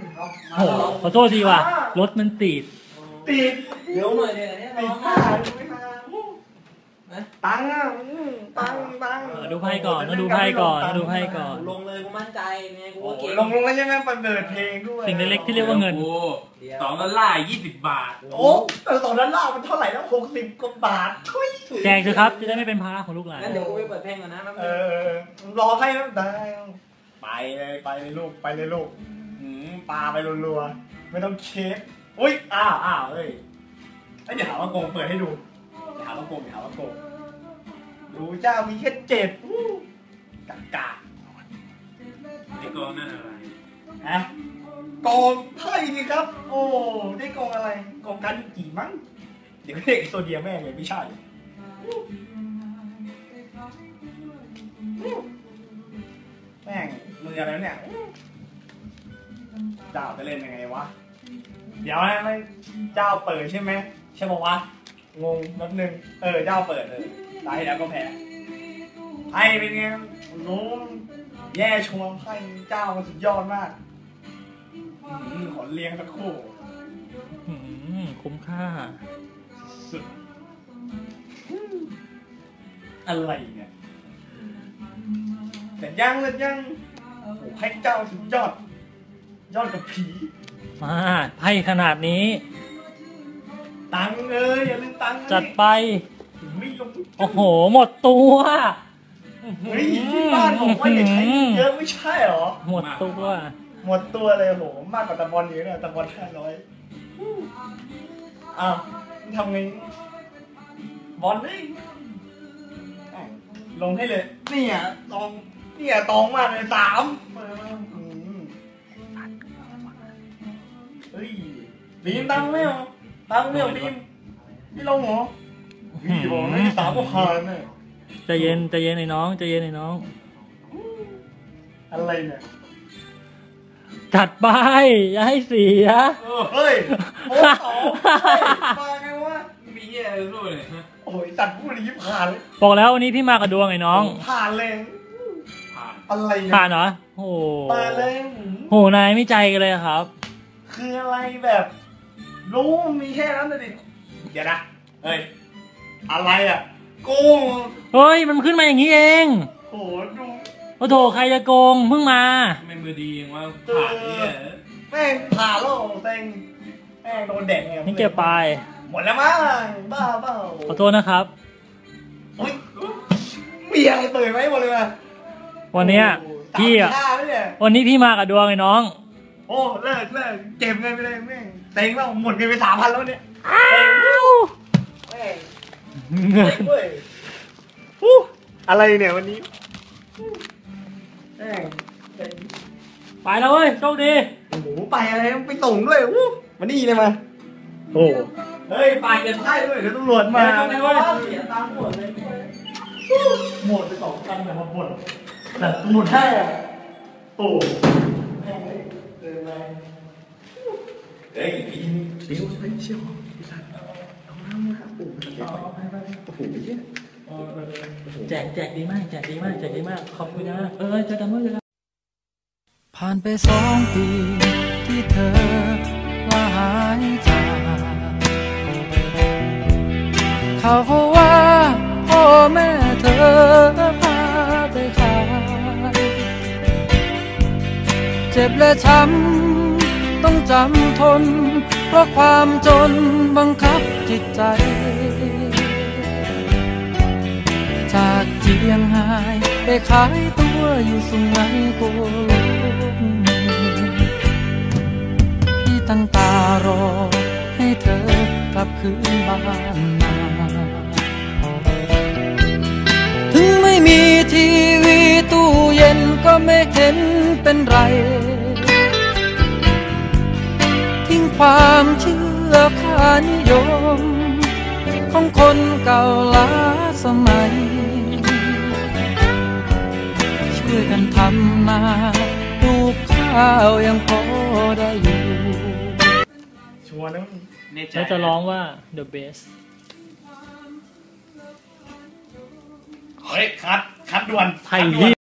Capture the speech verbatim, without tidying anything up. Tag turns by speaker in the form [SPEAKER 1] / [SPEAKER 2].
[SPEAKER 1] โอ้ขอโทษทีว่ะรถมันติด
[SPEAKER 2] ติด
[SPEAKER 3] เดี๋ยวหน่อยเนี่ยเนี่ยน้อง
[SPEAKER 2] ไม่มาตังอ่ะตังตัง
[SPEAKER 1] ดูไพ่ก่อนดูไพ่ก่อนดูไพ่ก่อน
[SPEAKER 3] ลงเลยกูมั่นใจไงกูว่าเก่ง
[SPEAKER 2] ลงลงแล้วใช่ไหมเปิดเพลงด้วย
[SPEAKER 1] สิ่งเล็กๆที่เรียกว่าเงิน
[SPEAKER 4] สองดอลลาร์ยี่สิบบาท
[SPEAKER 2] โอ้แต่สองดอลลาร์มันเท่าไหร่แล้วหกสิบกว่าบาท
[SPEAKER 1] แจกเถอะครับจะได้ไม่เป็นภาระของลูกหลาน
[SPEAKER 3] งั้นเดี๋ยวกูไปเปิดเพลงก่อนนะ
[SPEAKER 2] เออรอให้แล้วได้ไปเลยไปเลยลูกไปเลยลูกปลาไปรัวๆไม่ต้องเช็คอุ้ยอ้าวอ้าวเฮ้ยไอ้เดี๋ยวหาว่าโกงเปิดให้ดูเดี๋ยวหาว่าโกงเดี๋ยวหาว่าโกงดูเจ้ามีแค่เจ็ดกากา
[SPEAKER 4] ไอ้กองนั่นอะไร
[SPEAKER 2] ฮะกองไพ่นี่ครับโอ้ได้กองอะไรกองกันกี่มั้งเดี๋ยวเด็กโซเดียแม่เลยไม่ใช่แม่งมืออะไรเนี่ยเจ้าจะเล่นยังไงวะเดี๋ยวนะไม่เจ้าเปิดใช่ไหมใช่บอกว่างงนิดนึงเออเจ้าเปิดเลยตายแล้วก็แพ้ไพ่เป็นไงรู้แย่ชวงไพ่เจ้ามันสุดยอดมากขอเลี้ยงสักคู่
[SPEAKER 1] คุ้มค่า
[SPEAKER 2] สุดอะไรเนี่ยแต่ยังเลยยังโอ้ไพ่เจ้าสุดยอดยอดกับผี
[SPEAKER 1] มาไพ่ขนาดนี้
[SPEAKER 2] ตังเลยอย่าลืมตัง
[SPEAKER 1] จัดไป
[SPEAKER 2] ไม่ลง
[SPEAKER 1] โอ้โหหมดตัว
[SPEAKER 2] เฮ้ยที่บ้านบอกว่าอย่าใช้เยอะไม่ใช่หรอ
[SPEAKER 1] หมดตัว
[SPEAKER 2] หมดตัวเลยโหมากกว่าตะบอลเยอะเลยตะบอลห้าร้อยอ้าวทำไงบอลนี่ลงให้เลยเนี่ยตองเนี่ยตองมากเลยสามเฮ้ยบีมตังไม่หรอตังไม่หรอบีมพี่ลงเหรอพี่บอกให้สามก็ผ่านเลย
[SPEAKER 1] ใจเย็นใจเย็นไอ้น้องใจเย็นไอ้น้อง
[SPEAKER 2] อะไรเนี่ย
[SPEAKER 1] จัดไปอย่าให้เสีย
[SPEAKER 2] เฮ้ยโอ้สองมาไงวะ
[SPEAKER 4] มีแย่เลยด้วยเลย
[SPEAKER 2] โอ้ยตัดพูดยิ้มผ่านเลย
[SPEAKER 1] บอกแล้ววันนี้พี่มากับดวงไอ้น้อง
[SPEAKER 2] ผ่านเลยผ่านอะไร
[SPEAKER 1] ผ่านเหรอโอ้
[SPEAKER 2] ผ่านเลย
[SPEAKER 1] โหนายไม่ใจกันเลยครับ
[SPEAKER 2] คืออะไรแบบรู้มีแค่นั้นเลยดิเดี๋ยวนะเฮ้ยอะไรอ่ะโกง
[SPEAKER 1] เฮ้ยมันขึ้นมาอย่างนี้เอง
[SPEAKER 2] โอ้ดู
[SPEAKER 1] โอ้โถใครจะโกงเพิ่งมา
[SPEAKER 4] ไม่มือดีอย่างว่าผ่านเนี่ย
[SPEAKER 2] แม่งผ่านแล้วเต็งแม่งโดนแดกเนี่ย
[SPEAKER 1] นี่เก็บไป
[SPEAKER 2] หมดแล้วมั้งบ้าเปล่า
[SPEAKER 1] ขอโทษนะครับ
[SPEAKER 2] มีอะไรเปิดไหมหมดเลยว่ะ
[SPEAKER 1] วันนี้พี่อ่ะวันนี้พี่มากับดวงไอ้น้อง
[SPEAKER 2] โอ้เลิกเลิกเก็บเงินไปเลยแม่งเต็งแล้วหมดเงินไปสามพันแล้วเนี่ยแม่งเงินเว้ยอะไรเนี่ยวันนี้แม่ง
[SPEAKER 1] ไปแล้วเว้ยโชคดี
[SPEAKER 2] โอ้โหไปอะไรไปส่งด้วยอู้มานี่เลยมาโอ้เฮ้ยไปกันใช่ด้วยเดี๋ยวตำรวจมาเสียตังค์หมดเลยหมดไปสองตังค์แต่หมดแต่หมดให้อ่ะโอ้แม่งเลยเดินมาเฮ้ยพี่เดี๋ยวไปเชี่ยวพี่สัตว์เอาน้ำมาโอ้โหเอาไปไปโอ้โหเยอะ
[SPEAKER 1] แจกแจกดีมากแจกดีมากแจกดีมากขอบคุณนะเออเจอกันเมื่อไหร่
[SPEAKER 5] ผ่านไปสองปีที่เธอลาหายจากเขาว่าพ่อแม่เธอพาไปขายเจ็บและช้ำต้องจำทนเพราะความจนบังคับจิตใจจากเจียงไฮ้ไปขายตัวอยู่สุไหงโกลกพี่ตั้งตารอให้เธอกลับคืนบ้านมาถึงไม่มีทีวีตู้เย็นก็ไม่เห็นเป็นไรทิ้งความเชื่อค่านิยมของคนเก่าล้าสมัยช่วยกันทำนาปลูกข้าวยังพอได้อยู่
[SPEAKER 2] ชัวร์นะ
[SPEAKER 1] แล้วจะร้องว่า the best
[SPEAKER 2] เฮ้ยคัดคัดด่วน
[SPEAKER 1] ไทย